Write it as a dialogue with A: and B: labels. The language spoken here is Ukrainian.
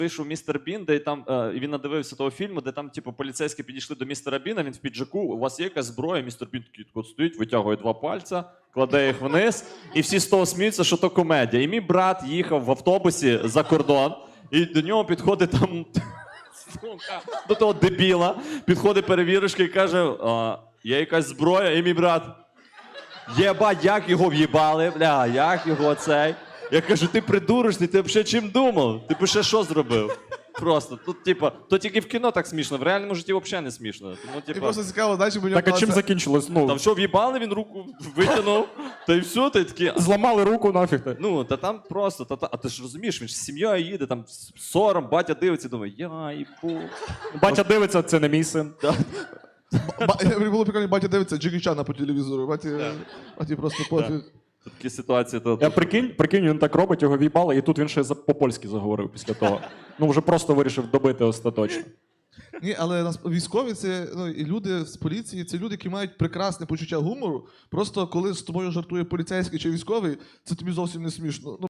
A: вийшов містер Бін, де там він надивився того фільму, де там, типу, поліцейські підійшли до містера Біна, він в піджаку, у вас є якась зброя, містер Бін такий от стоїть, витягує 2 пальця, кладе їх вниз, і всі з того сміються, що то комедія. І мій брат їхав в автобусі за кордон, і до нього підходить там, до того дебіла, підходить перевірочка і каже, є якась зброя, і мій брат, єбать, як його в'їбали, бля, як його цей. Я кажу, ти придурочний, ти взагалі чим думав? Ти б ще що зробив? Просто, тут, типа, то тільки в кіно так смішно, в реальному житті взагалі не смішно. Тому,
B: І
A: типа,
B: просто цікаво, знаєш, бо
C: Так, а чим закінчилось?
A: там
C: Ну,
A: що, в'їбали, він руку витягнув, та й все, та й такі.
C: зламали руку, нафіг ти.
A: Ну, та там просто, а ти ж розумієш, він ж з сім'єю їде, там сором, батя дивиться, думає, я їбу.
C: Батя дивиться, це не мій син.
B: Було прикольно, батя дивиться Джекі Чана по телевізору. Баті просто пофіг.
A: Такі ситуації, то...
C: Я прикинь, він так робить, його в'їбали, і тут він ще по-польськи заговорив після того. Ну, вже просто вирішив добити остаточно.
B: Ні, але військові це і люди з поліції, це люди, які мають прекрасне почуття гумору. Просто коли з тобою жартує поліцейський чи військовий, це тобі зовсім не смішно.